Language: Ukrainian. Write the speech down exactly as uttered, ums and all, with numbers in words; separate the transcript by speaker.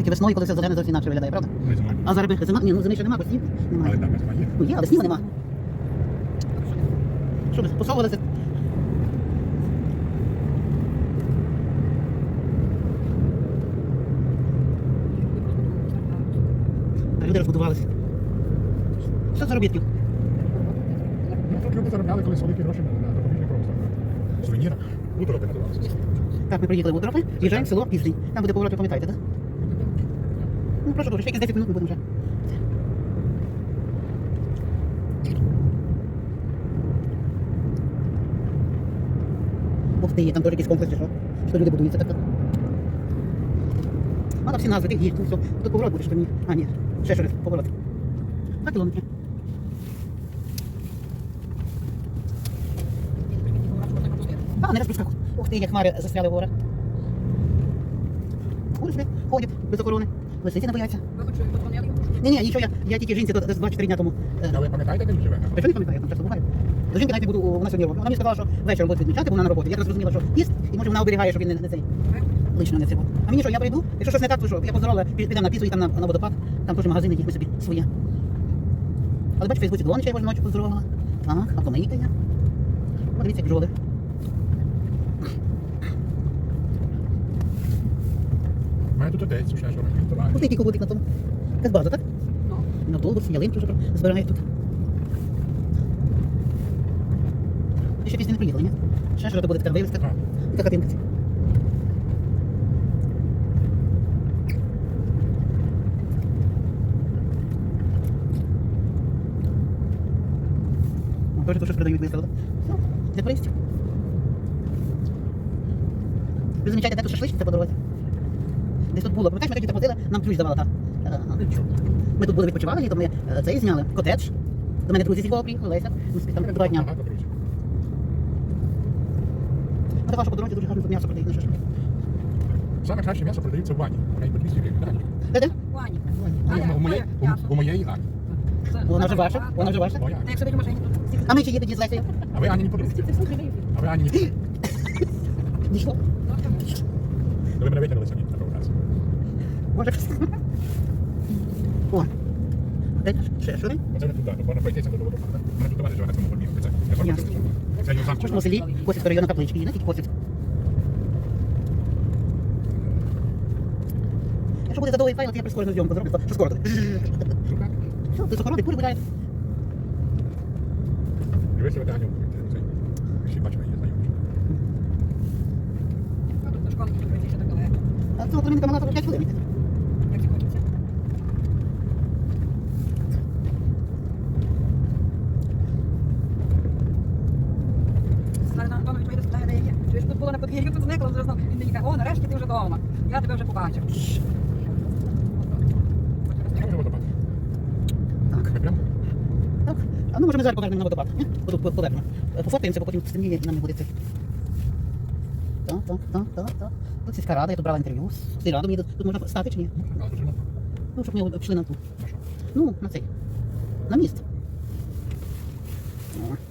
Speaker 1: Тільки весною, коли все зелене, зовсім інакше виглядає, правда?
Speaker 2: Ну, і зимою.
Speaker 1: А зараз би зима, ні, ну зими ще нема, бо снів немає.
Speaker 2: Але там зима є.
Speaker 1: Ну є, але снігу нема. Що би, посовувалися? А люди розбудувалися. Що заробітків?
Speaker 2: Ну, тут люди заробляли колись великі гроші на допоміжний просто. Сувеніра. Утропи називалися.
Speaker 1: Так, ми приїхали в Утропи, їжджаємо в село Південь. Там буде поворот, ви пам'ятаєте, так? Ну, прошу дуже, ще якісь десять минут ми будемо вже. Ух ти, там теж якісь комплекси, що? Що люди будуються так. А там всі назви, тих їх, тут все. Тут поворот буде, що ні. А, ні, ще щось, поворот. Два кілометри. А, не розпускав. Ух ти, як хмари застряли в горах. Кури собі ходять без охорони. Лисиці не бояться. Ні-ні, нічого, я, я тільки жінці тут два-чотири дня тому. е,
Speaker 2: А ви пам'ятаєте, де він живе?
Speaker 1: А що не пам'ятаю, я там часто буваю. До жінки навіть буду, вона сьогодні робить. Вона мені сказала, що вечором буде відмічати, бо вона на роботі. Я так зрозуміла, що піст, і може вона оберігає, щоб він не, не цей. Лично не цей. А мені що, я прийду, якщо щось не так, то що? Я поздоровила, підемо на піцу і там на, на водопад. Там теж магазини, їх ми собі своє. Але бачу, в Фейсбуці Долонича я кожну ночі поздоровила. Так, а помийка я. Подивіться, як бджоли.
Speaker 2: У мене тут отець, ще що робить, товариш.
Speaker 1: Ось який кубик на тому. Це база, так? На автобус, ялинку вже збирають тут. І ще пісні не приїхали, ні? Ще що буде така вивіска. Така хатинка. Тоже тут щось продають близько, так? Все, для туристів. Ви замічаєте, де тут шашличниця по дорозі? Десь тут було. Пам'ятаєш, ми тоді так возили, нам ключ давала та. Ми тут були відпочивали, літом ми е, цей зняли, котедж. До мене друзі зі Львова приїхали, Леся. Ми собі там два дня.
Speaker 2: Багато друзів.
Speaker 1: А така, що по дорозі дуже гарно тут м'ясо продають на шашлик.
Speaker 2: Саме краще м'ясо продається в бані. Навіть по двісті гривень. Гані.
Speaker 1: Де-де?
Speaker 3: Ваня.
Speaker 2: У моєї- у- У моєї Ані.
Speaker 1: Вона вже ваша, вона вже ваша.
Speaker 2: Моя.
Speaker 3: Та як собі в машині тут.
Speaker 1: А ми чи є тоді з Лесею?
Speaker 2: А ви Ані не подружки. А ви Ані не подружки.
Speaker 1: Дійшло?
Speaker 2: Ви мене витягнули самі на провокацію.
Speaker 1: Може. О. Де? Ще що?
Speaker 2: Оце не туди, тут можна пройтися до водопаду. У мене тут товариш живе на цьому подмірку. Це я сам
Speaker 1: Ясно.
Speaker 2: Це його
Speaker 1: В
Speaker 2: замку.
Speaker 1: кожному селі Косівського району каплички є, не тільки Косівськ. Якщо буде задовгий файл, то я прискорену зйомку зроблю, що скоро тут. Все, ти охорони, кури гуляють.
Speaker 2: Дивися, ви Аню. Всі бачили, я знаю.
Speaker 3: А тут на школу тут прийти ще так далеко.
Speaker 1: А цього племінка мала п'ять хвилин.
Speaker 3: Як це хочеться. Слава Антонович вийде спитає, де я є. Чуєш, тут було на подвір'ю, тут зникла, вже знов. Він мені каже, о, нарешті ти вже вдома. Я тебе вже побачив.
Speaker 2: Там же водопад.
Speaker 1: Так.
Speaker 2: Ми прямо?
Speaker 1: Так. А ну може ми зараз покажемо на водопад, ні? Отут повернемо. Пофоткаємося, бо потім стемніє і нам не буде це. Так, так, так, так, так. Тут сільська рада, я тут брала інтерв'ю з сільрадом. Мені тут, тут можна стати чи ні?
Speaker 2: А, тут же можна.
Speaker 1: Ну, щоб ми пішли на ту.
Speaker 2: На що?
Speaker 1: Ну, на цей. На міст. О.